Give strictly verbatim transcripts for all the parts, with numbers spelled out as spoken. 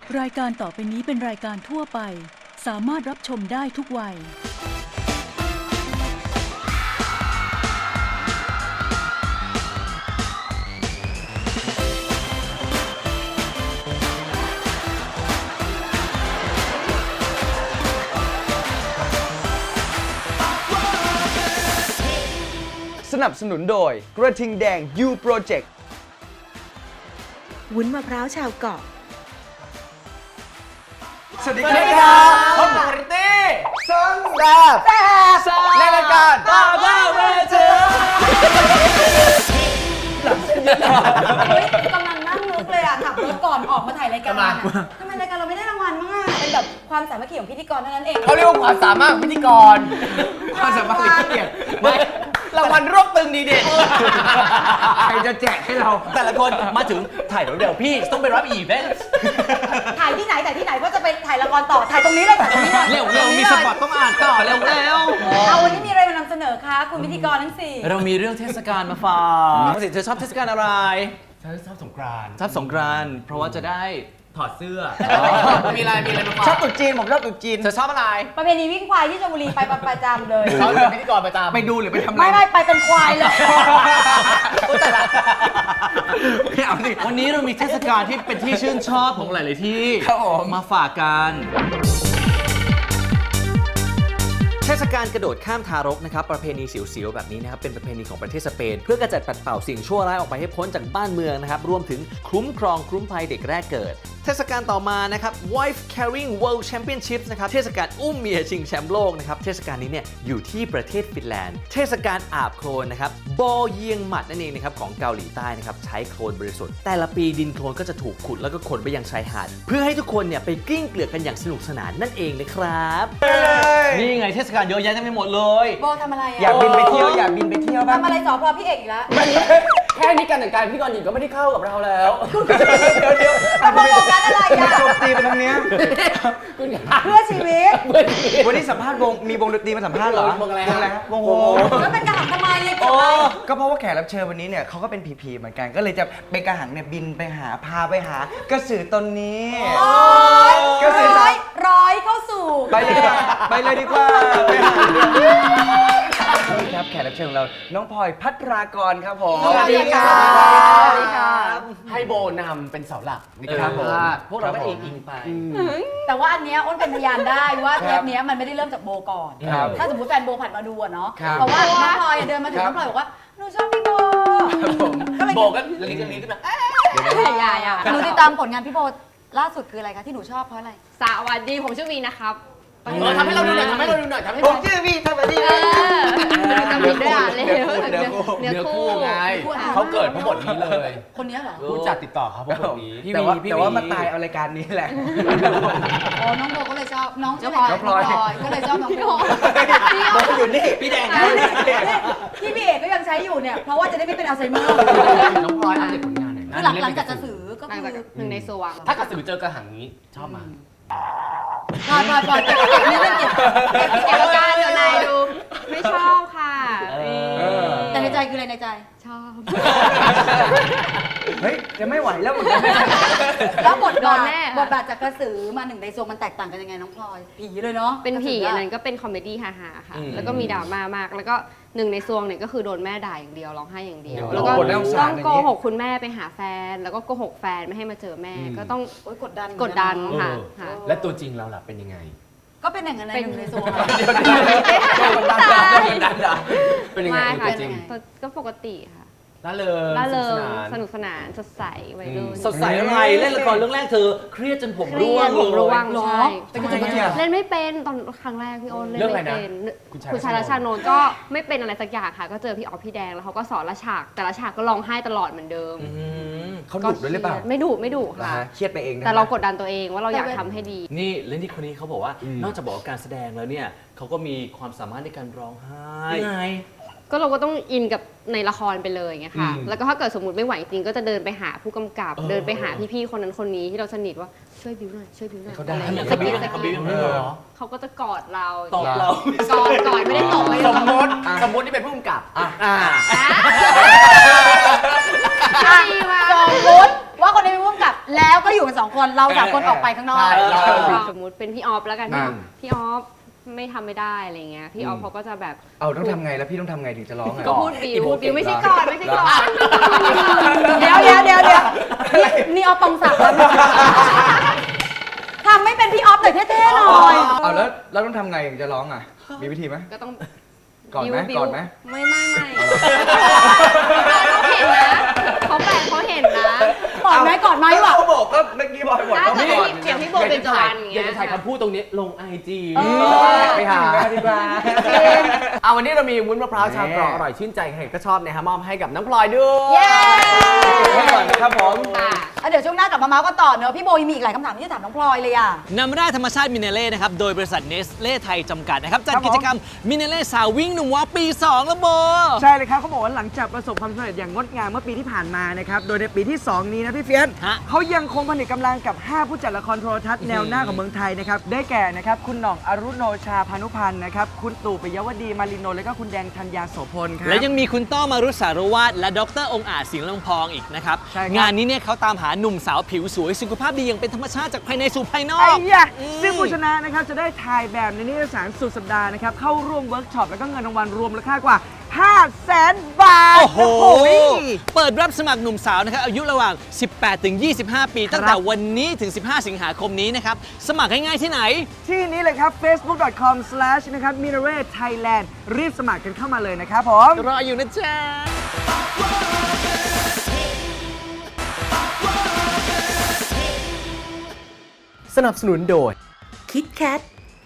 รายการต่อไปนี้เป็นรายการทั่วไปสามารถรับชมได้ทุกวัยสนับสนุนโดยกระทิงแดง U Project วุ้นมะพร้าวชาวเกาะสวัสดีครับพบกับริตี้ซังดาบในรายการบ้าบ้าเวเจอร์กำลังนั่งนึกเลยอ่ะขับรถก่อนออกมาถ่ายรายการอ่ะทำไมรายการเราไม่ได้รางวัลมั้งอ่ะเป็นแบบความสามัคคีของพิธีกรเท่านั้นเองเขาเรียกว่าความสามารถของพิธีกรความสามารถหรือขี้เกียจไม่รางวัลรวบตึงดีเด่นใครจะแจกให้เราแต่ละคนมาถึงถ่ายเดี๋ยวพี่ต้องไปรับอีเวนต์ถ่ายที่ไหนถ่ายที่ไหนเพราะจะไปถ่ายละครต่อถ่ายตรงนี้เลยถ่ายตรงนี้เลยเร็วเร็วมีสปอตต้องอ่านต่อเร็วเร็วเอาวันนี้มีอะไรมานำเสนอคะคุณพิธีกรทั้งสี่เรามีเรื่องเทศกาลมาฝากน้องสิเธอชอบเทศกาลอะไรฉันชอบสงกรานต์ชอบสงกรานต์เพราะว่าจะได้ถอดเสื้อ มีอะไร มีอะไรมาฝากชอบตุ๊จีนผมชอบตุ๊จีนเธอชอบอะไรประเพณีวิ่งควายที่ชลบุรีไปประจำเลยเขาเป็นพิธีกรประจำไปดูหรือไปทำอะไรไม่ไม่ไปเป็นควายเลยไม่เอาดิวันนี้เรามีเทศกาลที่เป็นที่ชื่นชอบของหลาย ๆ ที่ครับผมมาฝากกันเทศกาลกระโดดข้ามทารกนะครับประเพณีเสียวๆแบบนี้นะครับเป็นประเพณีของประเทศสเปนเพื่อกระจัดปัดเป่าสิ่งชั่วร้ายออกไปให้พ้นจากบ้านเมืองนะครับรวมถึงคุ้มครองคุ้มภัยเด็กแรกเกิดเทศกาลต่อมานะครับ Wife Carrying World Championships นะครับเทศกาลอุ้มเมียชิงแชมป์โลกนะครับเทศกาลนี้เนี่ยอยู่ที่ประเทศฟินแลนด์เทศกาลอาบโคลนนะครับบอเยียงหมัดนั่นเองนะครับของเกาหลีใต้นะครับใช้โคลนบริสุทธิ์แต่ละปีดินโคลนก็จะถูกขุดแล้วก็ขนไปยังชายหาดเพื่อให้ทุกคนเนี่ยไปกลิ้งเกลือกกันอย่างสนุกสนานนั่นเองนะครับนี่ไงเทศกาลเยอะแยะเต็มไปหมดเลยโบทำอะไรอยาอ่ะกบินไปเที่ยวอยากบินไปเที่ยวบ้างทำอะไรสอพอพี่เอกอีกแล้วแค่นี้การแต่งกายพิธีกรหญิงก็ไม่ได้เข้ากับเราแล้วเดี๋ยวเดี๋ยวทำโฟกัสอะไรอย่าอ่ะโจมตีไปทางเนี้ยคุณเพื่อชีวิตวันนี้สัมภาษณ์วงมีวงดนตรีมาสัมภาษณ์เหรอวงอะไรฮะฮะวงโฮแล้วเป็นกระหังทำไมเนี่ยโอ้ก็เพราะว่าแขกรับเชิญวันนี้เนี่ยเขาก็เป็นผีๆเหมือนกันก็เลยจะเป็นกระหังเนี่ยบินไปหาพาไปหากระสือตนนี้ก็คือร้อยร้อยเข้าสู่ไปเลยดีกว่าไปเลยดีกว่าไปหานี่ครับแขกรับเชิญของเราน้องพลอยพัทรากรครับผมสวัสดีค่ะสวัสดีครับให้โบนำเป็นเสาหลักในครับผมพวกเราก็เองอิงไปแต่ว่าอันเนี้ยอ้นเป็นพยานได้ว่าเทปเนี้ยมันไม่ได้เริ่มจากโบก่อนครับถ้าสมมติแฟนโบผ่านมาดูอะเนาะครับเพราะว่าน้องพลอยเดินมาถึงครัน้บองพลอยบอกว่าหนูชอบพี่โบก็เลยโบก็ลิ้นกันลิ้นขึ้นมาอย่าอย่าหนูติดตามผลงานพี่โบล่าสุดคืออะไรคะที่หนูชอบเพราะอะไรสวัสดีผมชื่อวีนะครับเออทำให้เราดูหน่อยทำให้เราดูหน่อยทำให้ผเรามชื่อพี่ทำแบบนี้เออจำผิดด้วยอ่ะเลยเนื้อคู่เนื้อคู่เนื้เนื้ออคู่คู่ไงเขาเกิดเพราะบทนี้เลยคนเนี้ยเหรอผู้จัดติดต่อเขาเพราะบทนี้แต่ว่าแต่ว่ามาตายเอารายการนี้แหละอ๋อน้องโบก็เลยชอบน้องชื่อน้องพลอยก็เลยชอบน้องโบบอกอยู่นี่พี่แดงพี่พี่เอกก็ยังใช้อยู่เนี่ยเพราะว่าจะได้ไม่เป็นอัลไซเมอร์น้องพลอยอัปเดตผลงานหน่อยคือหลังหลังจากกระสือก็หลังคืจากอหนึ่งในสวงถ้ากระสือเจอกระหังนี้ชอบมาพลอยพลอยพลอยเก็บเก็บนี่เรื่องเก็บเอกการเดี๋ยวนายดู ไม่ชอบค่ะแต่ในใจคืออะไรในใจชอบเฮ้ยจะไม่ไหวแล้วเหมือนกันแล้วบทโดบาน ทแน่ค่ะบทบาทจากกระสือมาหนึ่งในโซมันแตกต่างกันยังไงน้องพลอยผีเลยเนาะเป็นผีกระสือันอะนั้นก็เป็นคอมเมดี้ฮาๆค่ะอืมแล้วก็มีดราม่ามาก แล้วก็หนึ่งในซวงเนี่ยก็คือโดนแม่ด่าอย่างเดียวร้องไห้อย่างเดียวเดี๋ยวแล้วก็โอ้โหน่าสงสารต้องอย่างโกนี้หกคุณแม่ไปหาแฟน แล้วก็โกหกแฟนไม่ให้มาเจอแม่ ก็ต้องโอ๊ยกดดันกดดันเหมือค่ะเออค่ะและตัวจริงเราล่ะเป็นยังไงก็เป็นอย่างนั้นในหนึ่งในโซเดี๋ยวเดี๋ยวเดี๋ยวเดี๋ยวมันดันด่ามันดันด่าเป็นยังไงมาค่ะตัวจริงก็ปกติค่ะล่าเริงล่าเริงสสนุนุกกสสนานานสดใสวัยรุ่นสดใสอะไรเล่นละครเรื่องแรกเธอเครียดจนผมเครีร่วย งดผมร่วงเลยใช่เป็นยังไงอะเล่นไม่เป็นตอนครั้งแรกพี่โอนเล่นเรื่องอะไรไม่นะเป็นคุณชายคุณชายรัชชานนท์ก็ไม่เป็นอะไรสักอย่างค่ะ ก็เจอพี่ออฟพี่แดงแล้วเขาก็สอนละฉาก แต่ละฉากก็ร้องไห้ตลอดเหมือนเดิมอืมเขาดุด้วยหรือเปล่าไม่ดุไม่ดุนะค่ะฮะเครียดไปเองนะแต่เรากดดันตัวเองว่าเราอยากทำให้ดีนี่เล่นที่คนนี้เขาบอกว่าอืมนอกจากบอกว่าการแสดงแล้วเนี่ยเขาก็มีความสามารถในการร้องไห้ไงก็เราก็ต้องอินกับในละครไปเลยไงค่ะ แล้วก็ถ้าเกิดสมมติไม่ไหวจริงก็จะเดินไปหาผู้กำกับ เดินไปหาพี่ๆคนนั้นคนนี้ที่เราสนิทว่าช่วยบิวหน่อยช่วยบิวหน่อยเขาได้อะไรอย่างเงี้ยเขาบิ้วสะเขากิบิ้ดวสะกิดเหรอเขาก็จะกอดเราตอบเรากอดกอดไม่ได้ตบไม่สได้มตมบติสมมตินี่เป็นผู้กำกับอ่ะอ่าดีมากสมมติว่าคนนี้เป็นผู้กำกับแล้วก็อยู่กันสองคนเราสามคนออกไปข้างนอกใช่เราสมมุติเป็นพี่ออฟแล้วกันอ่าพี่ออฟไม่ทำไม่ได้อะไรเงี้ยพี่ออฟเขาก็จะแบบเอาต้องทำไงแล้วพี่ต้องทำไงถึงจะร้องไงก็พูดบิวพูดบิวไม่ใช่ก่อนไม่ใช่ก่อนเดี๋ยวเดี๋ยวเดี๋ยวเดี๋ยวนี่นี่ออฟปองศักดิ์แล้วทำไม่เป็นพี่ออฟแต่เท่ๆหน่อยเอาแล้วเราต้องทำไงถึงจะร้องอ่ะมีวิธีไหมก็ต้องก่อนไหมบิ้วก่อนไหมไม่ไม่ไม่เขาเห็นนะเขาแปลเขาเห็นนะก่อนไหมก่อนไหมวะเขาบอกก็เมื่อกี้บอกหมดถ้าก็เกิดก่อนพี่เสียงพี่โบเป็นจวันอย่างอเงี้ยากยจะถ่ายคำพูดตรงนี้ลงไอจีไปหาดีกว่าเอาวันนี้เรามีวุ้นมะพร้าวชาวเกราะอร่อยชื่นใจใครก็ชอบนะฮะมอบให้กับน้องพลอยด้วยเย้ไว้ก่อนนะครับผมค่ะอ่ะเดี๋ยวช่วงหน้ากลับมาเมาส์กันต่อเนอะพี่โบยังมีอีกหลายคำถามที่จะถามน้องพลอยเลยอ่ะน้ำแร่ธรรมชาติมิเนเล่นะครับ โดยบริษัทเนสเล่ไทยจำกัดนะครับ จัดกิจกรรมมิเนเล่สาววิ่งหนุ่มว้าวปี สอง แล้วโบใช่เลยครับเขาบอกว่าหลังจากประสบความสำเร็จอย่างงดงามเมื่อปีที่ผ่านมานะครับ โดยในปีที่ สอง นี้นะพี่เฟียสฮะเขายังคงผนึกกำลังกับ ห้า ผู้จัดละครโทรทัศน์แนวหน้าของเมืองไทยนะครับ ได้แก่นะครับคุณหน่องอรุโนชาพานุพันธ์นะครับ คุณตู่ปิยวดีมาริโน และก็คุณแดงธัญญาโสพลครับและยังมีคุณต้อมารุษสารวาดและดรองค์อาจสิงห์ลำพองอีกนะครับใช่ครับงานนี้เนี่ยเขาตามหาหนุ่มสาวผิวสวยสุขภาพดีอย่างเป็นธรรมชาติจากภายในสู่ภายนอไอ้กยะอืมซึ่งผู้ชนะนะครับจะได้ถ่ายแบบในนิตยสารสุดสัปดาห์นะครับเข้าร่วมเวิร์กช็อปแล้วก็เงินรางวัลรวมมูลค่ากว่า ห้าแสน บาทโอ้โหยเปิดรับสมัครหนุ่มสาวนะครับอายุระหว่าง สิบแปดถึงยี่สิบห้า ปี ตั้งแต่วันนี้ถึง สิบห้า สิงหาคมนี้นะครับ สมัครง่ายๆที่ไหนที่นี้เลยครับ เฟซบุ๊ก ดอท คอม สแลช นะครับ มิเนเร่ไทยแลนด์ รีบสมัครกันเข้ามาเลยนะครับผมรออยู่นะจ๊ะสนับสนุนโดยคิดแคท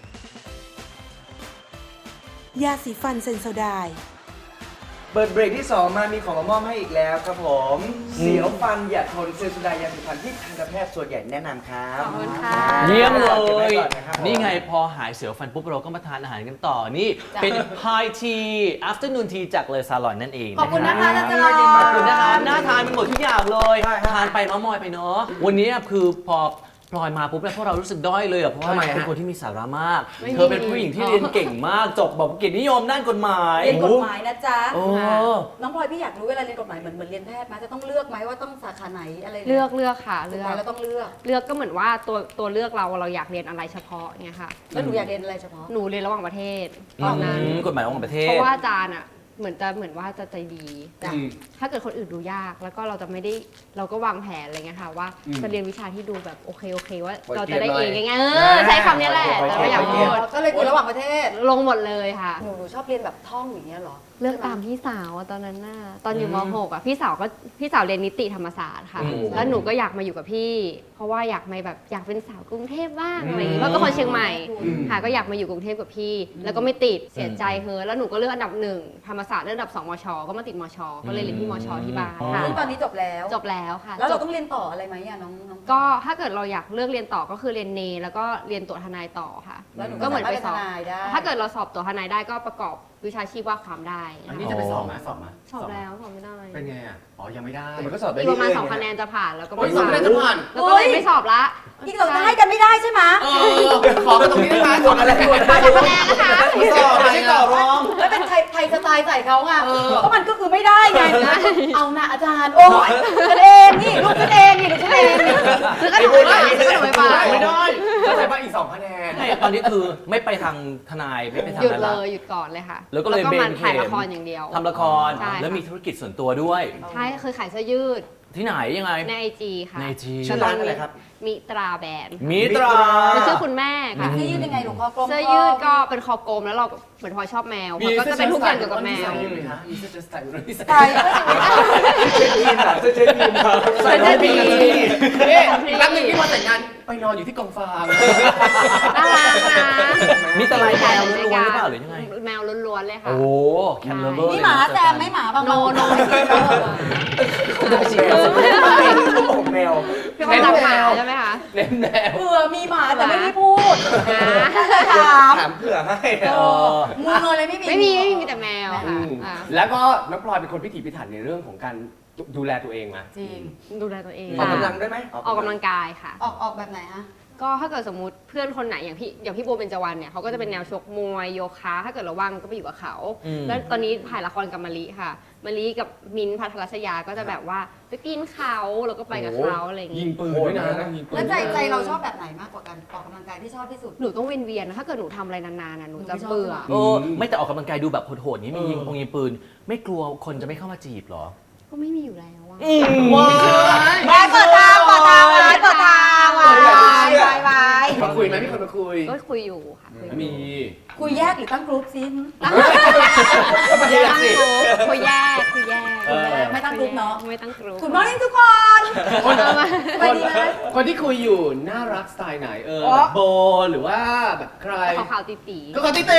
ยาสีฟันเซนโซไดน์เปิดเบรกที่ สอง มามีของมามอบให้อีกแล้วครับผม เสียวฟันอย่าทนเซนโซไดายาสีฟันที่ทันตแพทย์ส่วนใหญ่แนะนำครับขอบคุณค่ะเยี่ยมเลก็บไว้ยก่อนนะครับผมนี่ไงพอหายเสียวฟันปุ๊บเราก็มาทานอาหารกันต่อ นี่เป็น High Tea Afternoon Tea จากเลอซาลอนนั่นเองขอบคุณรันะคะอาจารย์ขอบคุณนะคะน่าทานไปหมดทุกอย่างเลยใช่ครับทานไปเมามอยไปเนาะวันนี้คือพอพลอยมาปุ๊บเนี่ยพวกเรารู้สึกด้อยเลยอ่ะเพราะว่าทำไมฮะเป็นคนที่มีสาระมากไม่มีเธอเป็นผู้หญิงที่เรียนเก่งมาก จบแบบเกียรตินิยมด้านกฎหมายเรียนกฎหมายนะจ๊ะโอ้น้องพลอยพี่อยากรู้เวลาเรียนกฎหมายเหมือนเหมือนเรียนแพทย์ไหมจะต้องเลือกไหมว่าต้องสาขาไหนอะไรยเลือกเลือกค่ะสุเลืดอกท้ายเราต้องเลือกเลือกก็เหมือนว่าตัวตัวเลือกเราเราอยากเรียนอะไรเฉพาะเงี้ยค่ะแล้วหนูอยากเรียนอะไรเฉพาะหนูเรียนระหว่างประเทศตอนนั้นอืมกฎหมายระหว่างประเทศเพราะว่าอาจารย์อ่ะเหมือนจะเหมือนว่าจะใจดีจ้ะถ้าเกิดคนอื่นดูยากแล้วก็เราจะไม่ได้เราก็วางแผนอะไรเงี้ยค่ะว่าจะเรียนวิชาที่ดูแบบโอเคโอเคว่าเราจะได้เองง่ายๆเออใช้คำนี้แหละแต่ไม่อยากพูดก็เลยเรียนระหว่างประเทศลงหมดเลยค่ะหนูหนูชอบเรียนแบบท่องอย่างเงี้ยเหรอเลือกตามพี่สาวอะตอนนั้นน่ะตอนอยู่ม .หก อ่ะพี่สาวก็พี่สาวเรียนนิติธรรมศาสตร์ค่ะอืมแล้วหนูก็อยากมาอยู่กับพี่ เพราะว่าอยากมาแบบอยากเป็นสาวกรุงเทพบ้างอะไรอย่างงี้เพราะเป็นคนเชียงใหม่ค่ะก็อยากมาอยู่กรุงเทพกับพี่ แล้วก็ไม่ติดเสียใจเฮ้อแล้วหนูก็เลือกอันดับหนึ่งธรรมศาสตร์เลือกอันดับสองมช ก็มาติดมช ก็เลยเรียนที่มชที่บ้านค่ะซึ่งตอนนี้จบแล้วจบแล้วค่ะแล้วเราจบต้องเรียนต่ออะไรไหมอะน้องน้องก็ถ้าเกิดเราอยากเลือกเรียนต่อก็คือเรียนเนแล้วก็เรียนตัวทนายต่อค่ะแล้วหนูก็เหมือนไปสอบสามารถเป็นทนายได้ถ้าเกิดเราสอบตัวทนายได้ก็ประกอบวิชาชีพว่าความได้อันนี้จะไปสอบไหมสอบไหมสอบแล้วสอบไม่ได้เป็นไงอ่ะ อ๋อ ยังไม่ได้แต่มันก็สอบได้อีกเรื่ประมาณอยๆสองไงคะแนนจะผ่านแล้วก็โอ้ยไม่สอบไม่ได้จะผ่านแล้วก็เลยไม่สอบละอีกเราจะให้กันไม่ได้ใช่ไหมเออ ขอกันตรงนี้ได้ไหมสอบอะไรสองคะแนนนะคะไม่สอบไม่ใช่ต่อรองแล้วเป็นไทยไทยสไตล์ใส่เขาไงก็มันก็คือไม่ได้ไงเอานะอาจารย์โอ้ยกันเองนี่ลูกกันเองนี่ลูกกันเองนี่คือก็หนูไม่ผ่านคือก็หนูไม่ผ่านไม่ได้เข้าใจป่ะอีกสองคะแนนใช่ตอนนี้คือไม่ไปทางทนายไม่ไปทางหยุดนั้นเลละยหยุดก่อนเลยค่ะแล้วก็เลยเบมัน นถ่ายเข็มละครอย่างเดียวทำละครใช่ค่ะแล้วมีธุรกิจส่วนตัวด้วยใช่คือขายเสื้อยืดที่ไหนยังไงในไอจีค่ะใน ไอ จีชื่อร้านอะไรครับมิตราแบรนด์มิตราคือชื่อคุณแม่ค่ะเสื้อยืดยังไงหลวงพ่อกลมเสื้อยืดก็เป็นคอกลมแล้วเราเหมือนพลอยชอบแมวมันก็จะเป็นทุกอย่างเกี่ยวกับแมวมีเสื้อจะใส่หรือไม่ใส่ใช่ก็จะมีเช็คอินอ่ะเช็คอินครับใส่ได้ดีเอ๊ะอีกแป๊บนึงที่มาแต่งงานไปนอนอยู่ที่กองฟางน่ารักนะมีแตะไลแมวล้วนๆหรือเปล่าหรือยังไงแมวล้วนๆเลยค่ะโอ้แคมเลเบอร์นี่หมาแซมไม่หมาบางโนโนผมแมวพี่คนรักหมาใช่ไหมคะเล่นแนวเผื่อมีหมาแต่ไม่ได้พูดอ่าถามถามเผื่อให้เออมือเงยเลยไม่มีไม่มีไม่มีมีแต่แมวค่ะอ่าแล้วก็น้องพลอยเป็นคนพิถีพิถันในเรื่องของการดูแลตัวเองมาจริงดูแลตัวเองออกกำลังด้วยไหมออกกำลังกายค่ะออกออกแบบไหนฮะก็ถ้าเกิดสมมติเพื่อนคนไหนอย่างพี่อย่างพี่โบเบญจวรรณเนี่ยเขาก็จะเป็นแนวชกมวยโยคะถ้าเกิดเราว่างก็ไปอยู่กับเขาอืมแล้วตอนนี้ถ่ายละครกับมะลิค่ะมะลิกับมิ้นท์พัทรศยาก็จะแบบว่าไปปีนเขาแล้วก็ไปกับเขาอะไรอย่างยิงี้งปืนด้วยนะยิงปืนแล้วใจใจเราชอบแบบไหนมากกว่ากันออกกำลังกายที่ชอบที่สุดหนูต้องเวียนเวียนๆนะถ้าเกิดหนูทำอะไรนานๆนะหนูจะหนูไม่ชอบเบื่อโอ้ไม่แต่ออกกำลังกายดูแบบโหดๆนี้มียิงปงยิงปืน ไม่กลัวคนจะไม่เข้ามาจีบเหรอก็ไม่มีอยู่แล้วอะว้าไว้เปิดทางเปิดทางไว้เปิดทางไว้ไว้ไว้มาคุยไหมมีคนมาคุยก็คุยอยู่ค่ะคุยอยู่มีคุยแยกหรือตั้งกรุ๊ปซิแยกสิคุยแยกคุยแยกเออไม่ตั้งกรุ๊ปเนาะไม่ตั้งกรุ๊ปคุณมอนิ่งทุกคนคนเอามาสบายดีไหมคนที่คุยอยู่น่ารักสไตล์ไหนเอออ๋อแบบโบหรือว่าแบบใครขาวๆตีก็คนที่เต้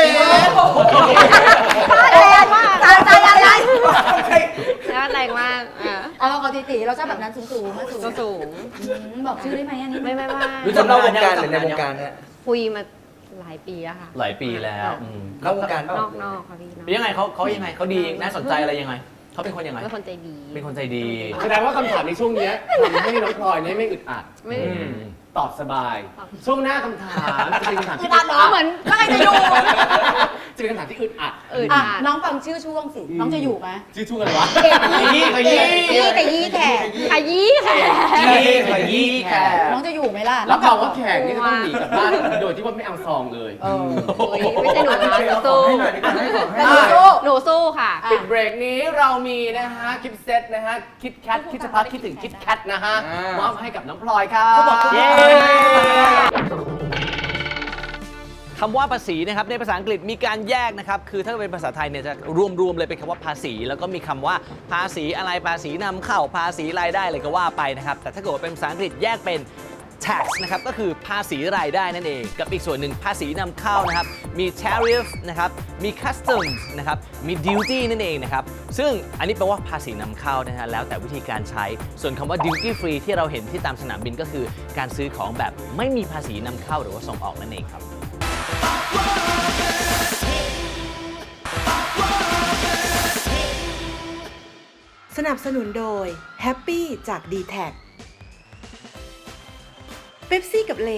แรงมากตายตายตายตายๆแล้วแรงมากอ่ะเอาเราขอตีตีเราชอบแบบนั้นสูงสูงๆสูงก็สูงอืมบอกชื่อได้ไหมอันนี้ไม่ไม่ไม่รู้จักนอกวงการหรือในวงการฮะคุยมาหลายปีแล้วค่ะหลายปีแล้วอืมนอกวงการเปนล่าอกนอกค่ะพี่นอกเป็นยังไงเขาเขายังไงเขาดีน่าสนใจอะไรยังไงเขาเป็นคนยังไงเป็นคนใจดีเป็นคนใจดีแสดงว่าคำถามในช่วงเนี้ยทำให้น้องพลอยเนี่ยไม่อึดอัดไม่อืมตอบสบาย ช่วงหน้าคำถามจะเป็นคำถามคือที่ตามน้องเหมือนก็ใครจะอยู่จะเป็นคำถามที่อึดอัดอื่นอ่ะอ่ะน้องฟังชื่อช่วงสิ น้องจะอยู่ไหมชื่อช่วงอะไรวะเก่งขยี้ขยี้ยี่แต่ยี่แขกขยี้ค่ะขยี้ขยี้แขกน้องจะอยู่ไหมล่ะรับรองว่าแขกนี่จะต้องหนีกลับบ้านโดยที่ว่าไม่เอาซองเลยเออโอ้ยไม่ใช่หนูนะหนูขอสู้ให้หน่อยดีกว่าให้ของให้แต่หหน่นูอยสู้หนูสู้ค่ะอ่ะปิดเบรกนี้เรามีนะฮะคิดเซตนะฮะคิดแคทคิดจะพักคิดถึงคิดแคทนะฮะมอบให้กับน้องพลอยครับเขาบอกเขาเย้บอกคำว่าภาษีนะครับในภาษาอังกฤษมีการแยกนะครับคือถ้าเป็นภาษาไทยเนี่ยจะรวมๆเลยเป็นคำว่าภาษี แล้วก็มีคำว่าภาษีอะไรภาษีนำเข้าภาษีรายได้อะไรก็ว่าไปนะครับแต่ถ้าเกิดว่าเป็นภาษาอังกฤษแยกเป็น tax นะครับก็คือภาษีรายได้นั่นเองกับอีกส่วนหนึ่งภาษีนำเข้านะครับมี tariff นะครับมี customs นะครับมี duty นั่นเองนะครับซึ่งอันนี้แปลว่าภาษีนำเข้านะฮะแล้วแต่วิธีการใช้ส่วนคำว่า duty free ที่เราเห็นที่ตามสนามบินก็คือการซื้อของแบบไม่มีภาษีนำเข้าหรือว่าส่งออกนั่นเองครับสนับสนุนโดย Happy จาก ดี แท็ก เป๊ปซี่กับเล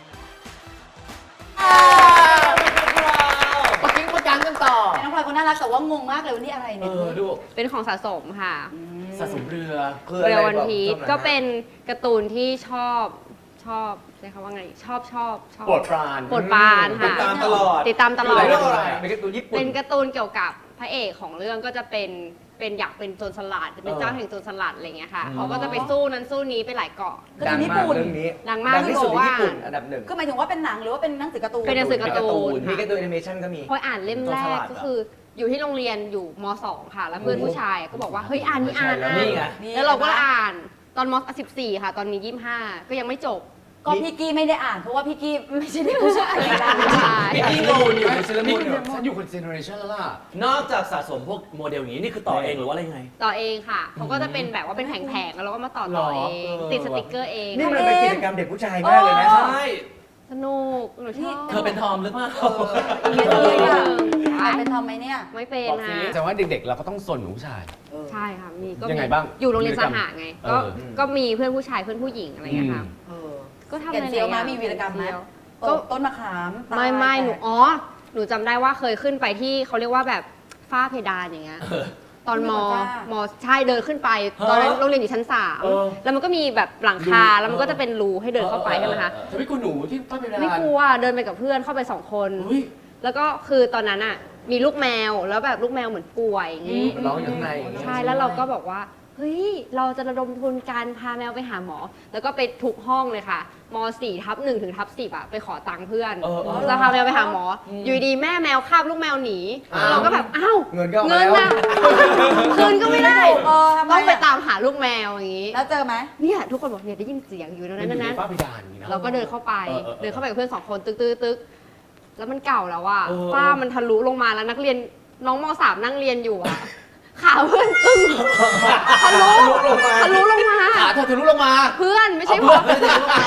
ปะกิ้งประกันกันต่อน้องพลอยคนน่ารักแต่ว่างงมากเลยวันนี้อะไรเอเนี่ยอดูเป็นของสะสมค่ะสะสมเรือคืออะไรเรือวันบอกพีชชอบอะไรก็เป็นการ์ตูนที่ชอบชอบใช้คำว่าไงชอบชอบชอบโปรดปรานโปรดปรานติค่ะดตามตลอดติดตามตลอดเรื่องอะไรเป็นการ์ตูนญี่ปุ่นเป็นการ์ตูนเกี่ยวกับพระเอกของเรื่องก็จะเป็นเป็นอยากเป็นโจรสลัดเป็นเจ้าแห่งโจรสลัดอะไรเงี้ยค่ะเขาก็จะไปสู้นั้นสู้นี้ไปหลายเกาะการ์ดัตูงนญี่มากปุ่นเรื่องนี้ดังมากดังที่สุดในที่ญี่บอกว่าปุ่นอันดับหนึ่งก็หมายถึงว่าเป็นหนังหรือว่าเป็นหนังสือการ์ตูนเป็นหนังสือการ์ตูนมีการ์ตูนแอนิเมชันก็มีพออ่านเล่มแรกก็คืออยู่ที่โรงเรียนอยู่ม สอง ค่ะ แล้วเพื่อนผู้ชายก็บอกว่าเฮ้ยอ่านนี่อ่านใช่แล้วอ่านนี่ไงแล้วเราก็อ่านตอนม สิบสี่ ค่ะ ตอนนี้ ยี่สิบห้า ก็ยังไม่จบก็พี่กี้ไม่ได้อ่านเพราะว่าพี่กี้ไม่ใช่เด็กผู้ชายเลยนะใช่พี่กี้งงอยู่ในเซเลนี่มูนอยู่ฉันอยู่คนเจเนอเรชันแล้วล่ะนอกจากสะสมพวกโมเดลอย่างนี้นี่คือต่อเองหรือว่าอะไรยังไงต่อเองค่ะเขาก็จะเป็นแบบว่าเป็นแผงๆแล้วเราก็มาต่อต่อเองหรอติดสติกเกอร์เองนี่มันเป็นกิจกรรมเด็กผู้ชายมากเลยนะโอ้ใช่สนุกหนูชอบเธอเป็นทอมหรือเปล่าไม่เลยอ่ะใช่อ่านเป็นทอมไหมเนี่ยไม่เป็นบอกนะสิแต่ว่าเด็กๆ เราก็ต้องสนหนูผู้ชายใช่ค่ะมีก็ยังไงมีบ้างอยู่โรงเรียนสหะไง ก็เออก็มีเพื่อนผู้ชายเพื่อนผู้หญิงอะไรอย่างเงี้ยค่ะเออก็ทำแก่นเซียวหลามาๆมีวีรกรรมไหมแนเซียวตกต้นมะขามตายไม่ไม่หนูแตกอ๋อ หนูจำได้ว่าเคยขึ้นไปที่เขาเรียกว่าแบบฝ้าเพดานอย่างเงี้ย ตอนมขึ้นไปบนฝ้ามใช่เดินขึ้นไป ตอนนั้นโรงเรียนอยู่ชั้นสามเออแล้วมันก็มีแบบหลังคา แล้วมันก็จะเป็นรูให้เดินเข้าไปใช่ไหมคะเธอไม่กลัวหนูที่ต้นเพดานไม่กลัวเดินไปกับเพื่อนเข้าไปสองคนเฮ้ยแล้วก็คือตอนนั้นอ่ะมีลูกแมวแล้วแบบลูกแมวเหมือนป่วยอย่างงี้ร้องอยู่ข้างในอย่างเงี้ยใช่แล้วเราก็บอกว่าเฮ้ยเราจะระดมทุนการพาแมวไปหาหมอ แล้วก็ไปทุกห้องเลยค่ะม สี่ทับหนึ่งถึงทับสิบอะไปขอตังค์เพื่อนเออเออจะพาแมวไปหาหมอออยู่ดีแม่แมวคาบลูกแมวหนีอ้าวเราก็แบบอ้าวเงินก็เอาเงิมาน แล้วอะคืนก็ไม่ได้เออทำไมต้องไปอะตามหาลูกแมวอย่างงี้แล้วเจอไหมเนี่ยทุกคนบอกเนี่ยได้ยินเสียงอยู่ตรงมันั้น นอยู่ในนั้นฝ้าเพดานอย่างนี้นะเราก็เดินเข้าไปเออเออเออเดินเข้าไปกับเพื่อนสองคนตึกตึกตึกแล้วมันเก่าแล้วอะเออฝ้ามันทะลุลงมาแล้วนักเรียนน้องมสามนั่งเรียนอยู่อะขาเพื่อนตึ้งทะลุลงมาทะลุลงมาขาเธอทะลุลงมาเพื่อนไม่ใช่เอาผมเพื่อนทะลุลงมาเพื่อนใส่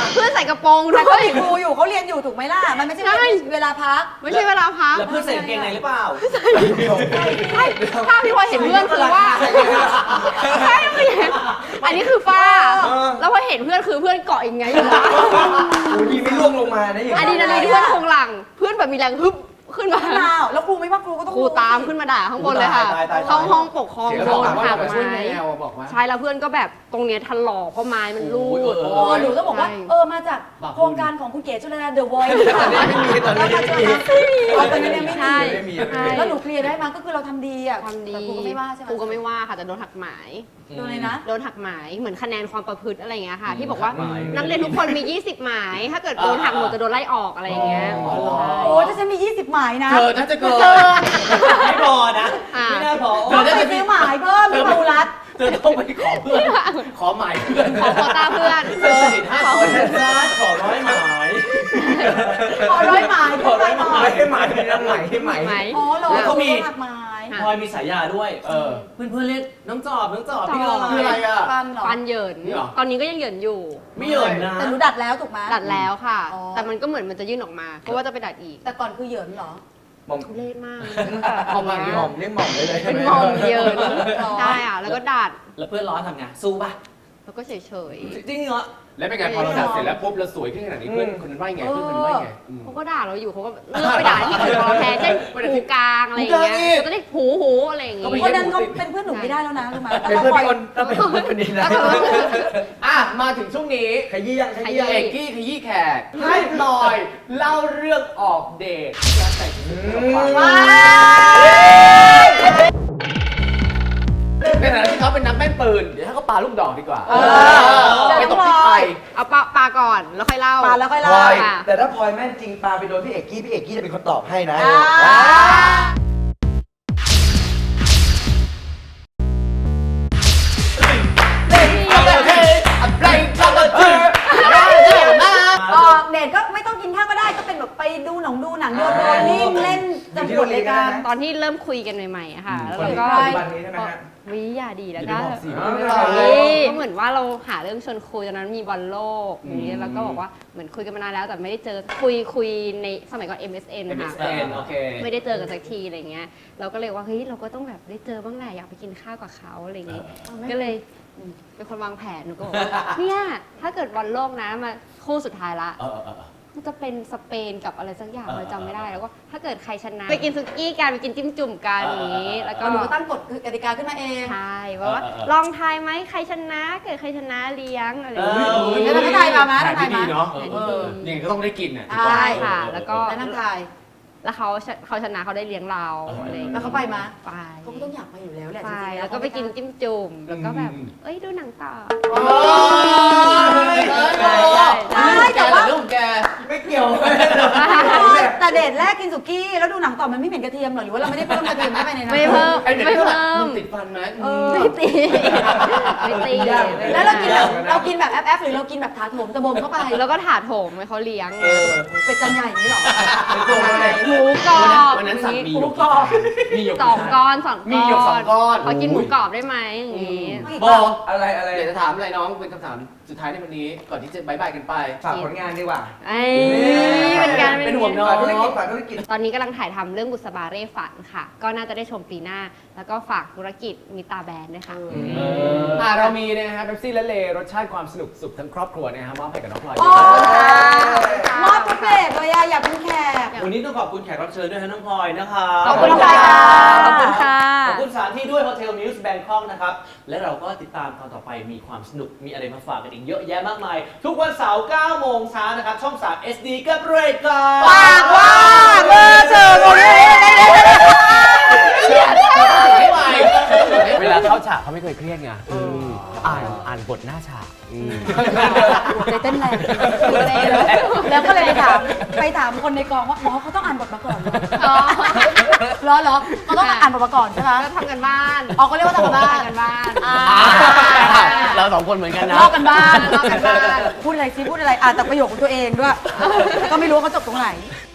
กระโปรงด้แต่วเขายมีครูอยู่เขาเรียนอยู่ถูกไหมล่ะ มันไม่ใช่ใช่เวลาพักไม่ใช่เวลาพักแล้วเพื่อนใส่กางเกงในหรือเปล่าใช่ภาพที่พลอยเห็นเพื่อนคือว่าใช่ไม่เห็นอันนี้คือฝ้า แล้วพอเห็นเพื่อนคือเพื่อนเกาะอย่างไงอยู่นะโอ้ยดีไม่ล่วงลงมานะอย่างอะดรีนาลีนที่เพื่อนคงหลัง เพื่อนแบบมีแรงฮึบขึ้นมาอ้าวแล้วครูไม่ว่าครูก็ต้องครูตามขึ้นมาด่าข้างบนเลยค่ะตายตายตายเข้าห้องปกครองเสียงโดบอกนว่าหักมาช่วยไม้แมวบอกว่าใช่แล้วเพื่อนก็แบบตรงเนี้ยถลอกเพราะไม้มันรูดโอ้ยเออโอ้หนูต้องบอกว่าใช่เออมาจากบอกโครงการของคุณเก๋ชลดาเดอะวอยซ์ตอนนี้ไม่มีตอนนี้ไม่มีตอนนี้ยังไม่ใช่มีไม่มีใช่แล้วหนูเคลียร์ได้มั้ยก็คือเราทำดีอ่ะความดีแต่ครูก็ไม่ว่าใช่ไหมครูก็ไม่ว่าค่ะแต่โดนหักหมายโดนเลยนะโดนหักหมายเหมือนคะแนนความประพฤติอะไรอย่างเงี้ยค่ะ ที่บอกว่าหักหมายนักเรียนทุกคนมี ยี่สิบ หมาย ถ้าเกิดโดนหักหมดจะโดนไล่ออกอะไรอย่างเงี้ยอ๋อเหรอใช่โอ้ถ้าฉันมียี่สิบหมายนะเธอน่าจะเกินไม่พอนะอ่าไม่น่าพอเธอไปซื้อหมายเพิ่มที่ภูรัตน์เธอต้องไปขอเพื่อน ขอหมายเพื่อนขอโควต้าเพื่อนเธอสนิทห้าคนขอร้อยหมายขอร้อยหมายขอได้หมายให้หมายให้หมายให้หมายหมายอ๋อเหรอแล้วก็มีหักหมายค่ะพลอยมีฉายาด้วยเออเพื่อนๆเรียกน้องจอบน้องจอบพี่จอบคืออะไรอ่ะฟันเหรอฟันเหยินนี่เหรอตอนนี้ก็ยังเหยินอยู่ไม่เหยินนะแต่หนูดัดแล้วถูกไหมดัดแล้วค่ะอ๋อแต่มันก็เหมือนมันจะยื่นออกมา เพราะว่าจะไปดัดอีกแต่ก่อนคือเหยินเหรอหม่อมทุเรศมากเอามาอย่างนี้หม่อมเรียกหม่อมได้เลยเป็นมอมเหยินใช่อ่ะแล้วก็ดัดแล้วเพื่อนร้อนทำไงสู้ป่ะแล้วก็เฉยจริงเหรอแล้วเป็นไงพอเราดัดเสร็จแล้วปุ๊บเราสวยขึ้นขนาดนี้เพื่อนคนนั้นว่าไงเพื่อนคนนั้นว่าไงอืมๆเขาก็ด่าเราอยู่เขาก็เลือกไปด่าที่อื่นพอแทนเช่นหูกลางอะไรอย่างเงี้ยหูกลางอีกก็ได้หูหูอะไรอย่างเงี้ยคนนั้นเขาเป็นเพื่อนหนูไม่ได้แล้วนะรู้ไหมเป็นเพื่อนพี่อ้นก็เป็นเพื่อนคนนี้นะอ่ะมาถึงช่วงนี้ขยี้ยังขยี้ยังเอกกี้ขยี้แขกให้พลอยเล่าเรื่องออกเดทการแต่งชุดกับฟังในฐานะที่เขาเป็นนักแม่นปืน เดี๋ยวให้เขาปาลูกดอกดีกว่าเออไปตกที่ใครเอาปลาปลาก่อนแล้วค่อยเล่าปาแล้วค่อยพลเล่าอยค่ะแต่ถ้าพลอยแม่นจริงปาไปโดนพี่เอกกี้พี่เอกกี้จะเป็นคนตอบให้นะอ่า ออกเดทก็ไม่ต้องกินข้าวก็ได้ก็เป็นแบบไปดูหนังดูหนังโยนโยนนิ่งเล่นจำบทรายการตอนที่เริ่มคุยกันใหม่ๆอะค่ะ แล้วคนเราที่ก็ปัจจุบันนี้ใช่ไหมฮะวิอย่าดีแล้วอก็ย่าไปบอกสิเฮ้ยเหมือนว่าเราหาเรื่องชวนคุยตอนนั้นมีบอลโลกอย่างนี้แล้วก็บอกว่าเหมือนคุยกันมานานแล้วแต่ไม่ได้เจอคุยคุยในสมัยก่อน เอ็ม เอส เอ็นเอ็มค่ะเอส เอ็น โอเคไม่ได้เจอกันสักทีอะไรเงี้ย เราก็เลยว่าเฮ้ยเราก็ต้องแบบได้เจอบ้างแหละอยากไปกินข้าวกับเขาอะไรเงี้ยก็เลยเป็นคนวางแผนหนูก็บอกว่าเนี่ยถ้าเกิดบอลโลกนะมาคู่สุดท้ายละเออเออเออมันจะเป็นสเปนกับอะไรสักอย่างเออเราจำไม่ได้แล้วก็ถ้าเกิดใครชนะไปกินซุกี้กันไปกินจิ้มจุ่มกันอย่างนี้ แล้วก็หนูก็ตั้งกฎกติกาขึ้นมาเองใช่ว่าว่าเออเออลองทายไหมใครชนะเกิดใครชนะเลี้ยงอะไรอย่างเอเงี้ยอแล้วเราก็ทายมาไหมแผนทายที่มาดีเนาะแผนเอที่อดียังไงก็ต้องได้กินอ่ะใช่ค่ะแล้วก็แล้วนั่งทายแล้วเขาชเขาชนะเขาได้เลี้ยงเราอะไรอย่างแล้เงี้วย เขาไปมาไปเขาก็ต้องอยากไปอยู่แล้วแหละไปจริงๆแล้วก็ไปกินจิ้มจุ่มแล้วก็แบบเอ้ยดูหนังต่อโอ้ยใช่แต่ว่าเรื่องของแกไม่เกี่ยวแต่เดทแรกกินสุกี้แล้วดูหนังต่อมันไม่เหม็นกระเทียมหรอหรือว่าเราไม่ได้เพิ่มกระเทียมเข้าไปในนั้นไม่เพิ่มไอ้เด็กไม่ก็เพิ่แบบมมึงติดฟันไหมเออไม่ตีไม่ตีแล้วเรากินแบบเรากินแบบแอปแอปหรือเรากินแบบถาโถมตะบมเข้าไปแล้วก็ถาโถมให้เขาเลี้ยงเออเป็ดจันใหญ่อย่างนี้หรอหมูกรอบวันนั้นสั่งมีหยกหมูกรอบมีหยกสองก้อนสองก้อนมีหยกสองก้อนขอกินหมูกรอบได้ไหมอย่างงี้บอกอะไรอะไรอยากจะถามอะไรน้องเป็นคำถามสุดท้ายในวันนี้ ก่อนที่จะบายบายกันไปฝากผลงานดีกว่าไอ้เป็นการเป็นห่วงน้องฝากธุรกิจฝากธุรกิจตอนนี้กำลังถ่ายทำเรื่องบุษบาเร่ฝันค่ะ ก็น่าจะได้ชมปีหน้า แล้วก็ฝากธุรกิจมิตาแบรนด์ด้วยค่ะอ่าเรามีนะฮะเบปซี่และเลรสชาติความสนุกสุขทั้งครอบครัวนะฮะมอบให้กับน้องพลอยโอ้มอบทุกเบรกเลยอะอยากเป็นแขกวันนี้ต้องขอบคุณแขกรับเชิญด้วยฮะน้องพลอยนะคะขอบคุณน้องพลค่ะอยค่ะขอบคุณค่ะขอบคุณสถานที่ด้วย Hotel News Bangkok นะครับ และเราก็ติดตามตอนต่อไปมีความสนุก มีอะไรมาฝากกันอีกเยอะแยะมากมาย ทุกวันเสาร์เก้าโมงเช้านะครับ ช่อง สาม เอส ดี กับรายการปากว่าเบอร์เจอคนนี้ไม่ไหวเวลาเข้าฉากเขาไม่เคยเครียดไงอ่านอ่านบทหน้าฉากใจเต้นแรงแล้วก็เลยไปถามไปถามคนในกองว่าหมอเขาต้องอ่านบทมาก่อนเหรอเหรอเหรอเขาต้องอ่านบทมาก่อนใช่ไหมก็ทำกันบ้านออกก็เรียกว่าทำกันบ้านทำกันบ้านอ่าเราสองคนเหมือนกันนะลอกกันบ้านลอกกันบ้านพูดอะไรซิพูดอะไรอ่านแต่ประโยคของตัวเองด้วยแล้วก็ไม่รู้ว่าเขาจบตรงไหน